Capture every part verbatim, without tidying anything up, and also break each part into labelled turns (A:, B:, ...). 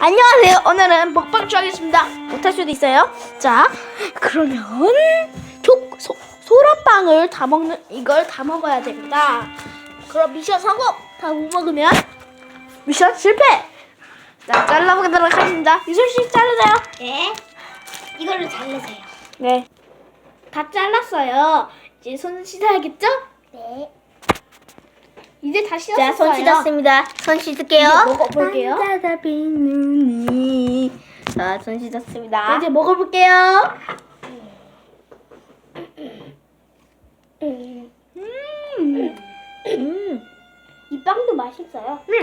A: 안녕하세요. 오늘은 먹방 하겠습니다. 못할 수도 있어요. 자, 그러면 초, 소, 소라빵을 다 먹는 이걸 다 먹어야 됩니다. 그럼 미션 성공. 다 못 먹으면 미션 실패. 자, 잘라보도록 하겠습니다. 유솔 씨 자르세요.
B: 네. 이걸로 자르세요.
A: 네. 다 잘랐어요. 이제 손 씻어야겠죠?
B: 네.
A: 이제 다 씻었어요.
B: 자, 손 씻었습니다. 손 씻을게요.
A: 이제 먹어볼게요.
B: 반짝아빈 눈이. 자, 손 씻었습니다.
A: 이제 먹어볼게요.
B: 음.
A: 음.
B: 음. 이 빵도 맛있어요.
A: 음.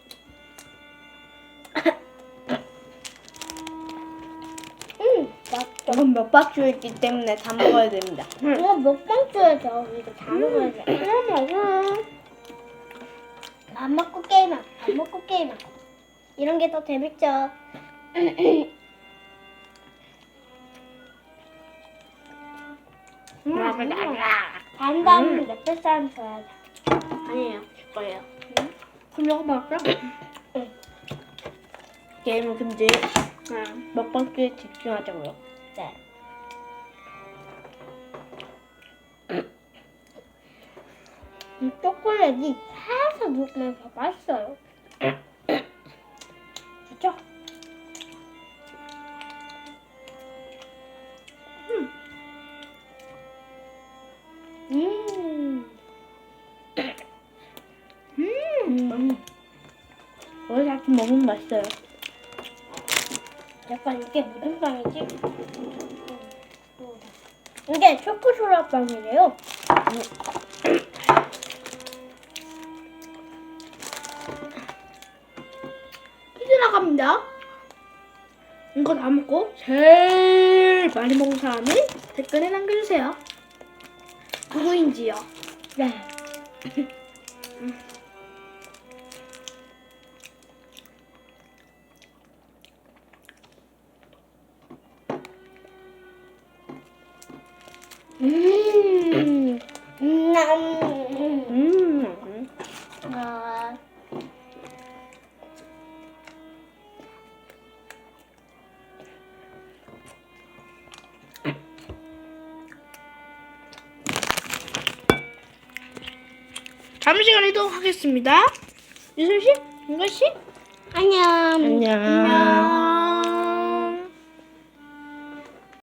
B: 음, 맛있어.
A: 이건 몇박주 있기 때문에 다 먹어야 됩니다.
B: 이거 먹방 줘야죠. 이거 다 먹어야 돼.
A: 음, 맞아.
B: 안 먹고 게임하고, 안 먹고 게임하고. 이런 게 더 재밌죠.
A: 음,
B: 단 다음에 몇백 사람 줘야죠.
A: 아니에요, 제 거예요. 그럼 이거 먹을까?
B: 응.
A: 게임은 금지. 응. 먹방주에 집중하자고요.
B: 네. 이 초콜릿이 살살 녹으면서 맛있어요. 그쵸? 음.
A: 음. 원래 자꾸 먹으면 맛있어요.
B: 약간 이게 무슨 빵이지? 음. 이게 초코소라 빵이래요.
A: 퀴즈 나갑니다. 이거 다 먹고 제일 많이 먹은 사람이 댓글에 남겨주세요. 누구인지요?
B: 네. 음. 음.
A: 음.
B: 아.
A: 잠시간 이동하겠습니다. 유솔 씨, 윤건 씨,
B: 안녕.
A: 안녕.